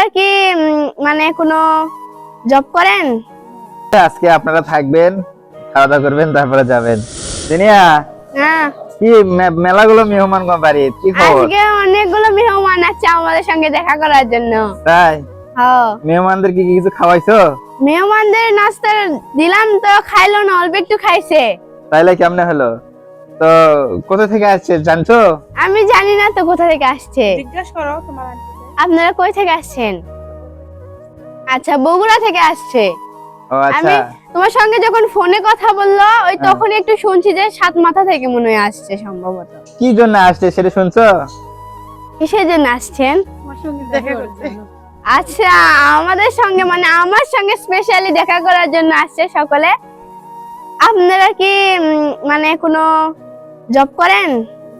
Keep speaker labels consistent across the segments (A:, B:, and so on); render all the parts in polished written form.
A: কি মানে কোনো জব করেন?
B: আজকে আপনারা থাকবেন, খাওয়া দাওয়া করবেন, তারপরে যাবেন। দিনিয়া
A: হ্যাঁ,
B: কি মেলাগুলো মেহমান বাড়ি, কি খবর?
A: আজকে অনেকগুলো মেহমান আছে আমাদের সঙ্গে দেখা করার জন্য।
B: তাই?
A: হ্যাঁ,
B: মেহমানদের কি কিছু খাওয়াইছো?
A: মেহমানদের নাস্তা দিলাম তো খাইলো না, অল্প একটু খাইছে।
B: তাইলে কেমনে হলো? তো কোথা থেকে আসছে জানছো?
A: আমি জানি না তো কোথা থেকে আসছে।
C: জিজ্ঞাসা করো তোমার আন্টিকে।
A: আপনারা কই থেকে আসছেন? আচ্ছা, বগুড়া থেকে আসছে।
B: ও আচ্ছা।
A: আমি তোমার সঙ্গে যখন ফোনে কথা বললো ওই তখন একটু শুনছি যে সাত মাথা থেকে মনে হয় আসছে সম্ভবত।
B: কি জন্য আসছে সেটা শুনছো?
A: কিসের জন্য আসছেন?
C: তোমার সঙ্গে দেখা করতে।
A: আচ্ছা, আমাদের সঙ্গে মানে আমার সঙ্গে স্পেশালি দেখা করার জন্য আসছে সকলে। আপনারা কি মানে কোনো জব করেন?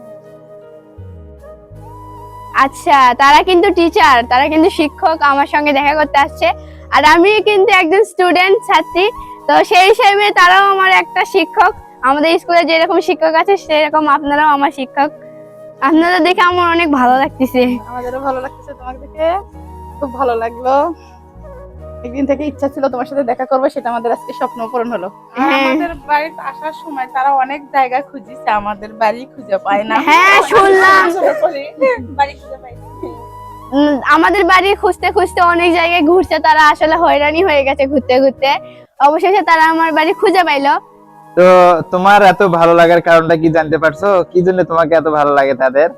A: আচ্ছা, তারা কিন্তু টিচার, তারা কিন্তু শিক্ষক, আমার সঙ্গে দেখা করতে আসছে। আর আমি কিন্তু একজন স্টুডেন্ট, ছাত্রী। তো সেই হিসেবে তারাও আমার একটা শিক্ষক। আমাদের স্কুলে যেরকম শিক্ষক আছে সেরকম আপনারাও আমার শিক্ষক। আপনাদের দেখে আমার অনেক ভালো লাগতেছে।
C: আমাদেরও ভালো লাগতেছে তোমাকে দেখে, খুব ভালো লাগলো। একদিন থেকে ইচ্ছা ছিল তোমার সাথে দেখা করবো, সেটা আমাদের আজকে স্বপ্ন পূরণ হলো।
A: হ্যাঁ।
C: আমাদের বাড়িতে আসার সময় তারা অনেক জায়গা খুঁজিছে, আমাদের বাড়ি খুঁজে পায় না।
A: হ্যাঁ, শুনলাম।
C: বাড়ি খুঁজে পাই না।
A: আমাদের বাড়ি খুঁজতে খুঁজতে অনেক জায়গায় ঘুরছে তারা, আসলে হয়রানি হয়ে গেছে ঘুরতে ঘুরতে। অবশেষে তারা আমার বাড়ি খুঁজে পাইলো।
B: তো তোমার এত ভালো লাগার কারণটা কি জানতে পারছো? কি জন্য তোমাকে এত ভালো লাগে তাদের?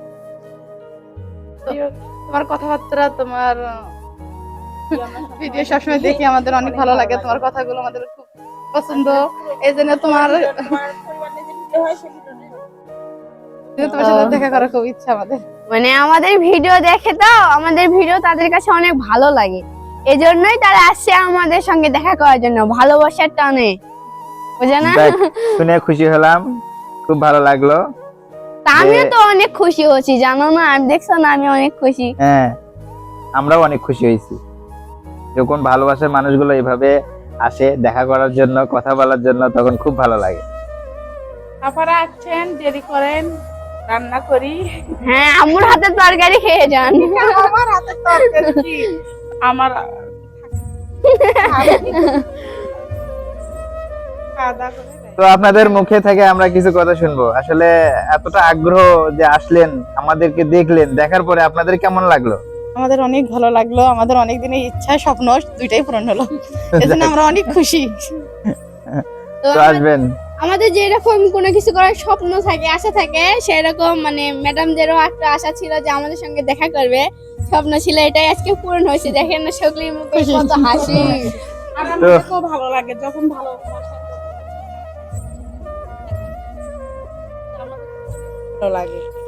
C: তোমার কথাবার্তা, তোমার ভিডিও সবসময় দেখি, আমাদের অনেক ভালো লাগে। তোমার কথাগুলো আমাদের খুব পছন্দ। এই জন্য তোমার সাথে দেখা করার খুব ইচ্ছা আমাদের।
A: মানে আমাদের ভিডিও দেখে তো, আমাদের ভিডিও তাদের কাছে অনেক ভালো লাগে, এজন্যই তারা আসছে আমাদের সঙ্গে দেখা করার জন্য, ভালোবাসার টানে, বুঝে না?
B: যাক, শুনে খুশি হলাম, খুব ভালো লাগলো।
A: তা আমিও তো অনেক খুশি হচ্ছি, জানো না? আমি দেখছো না, আমি অনেক খুশি।
B: হ্যাঁ, আমরাও অনেক খুশি হয়েছি যখন ভালোবাসার মানুষগুলো এভাবে আসে দেখা করার জন্য, কথা বলার জন্য, তখন খুব ভালো লাগে।
C: আপনারা আসছেন, দেরি করেন, রান্না করি।
A: হ্যাঁ, আম্মুর হাতের তরকারি খেয়ে যান।
C: আমার হাতে তরকারি কি? আমার খাওয়া দাওয়া করে দেয়।
B: তো আপনাদের মুখে থেকে আমরা কিছু কথা শুনবো। আসলে এতটা আগ্রহ যে আসলেন, আমাদেরকে দেখলেন, দেখার পরে আপনাদের কেমন লাগলো?
C: আমাদের অনেক ভালো লাগলো, আমাদের অনেক দিনের ইচ্ছা স্বপ্ন দুইটাই পূরণ হলো, এজন্য আমরা অনেক খুশি।
A: তো
B: তো আসবেন।
A: আমাদের যেরকম কোনো কিছু করার স্বপ্ন থাকে, আশা থাকে, সেরকম মানে ম্যাডামদেরও একটা আশা ছিল যে আমাদের সঙ্গে দেখা করবে, স্বপ্ন ছিল, এটাই আজকে পূরণ হয়েছে। দেখেন না সকলের মুখে কত হাসি।
C: আর আমাদেরকেও ভালো লাগে যখন ভালো লাগে।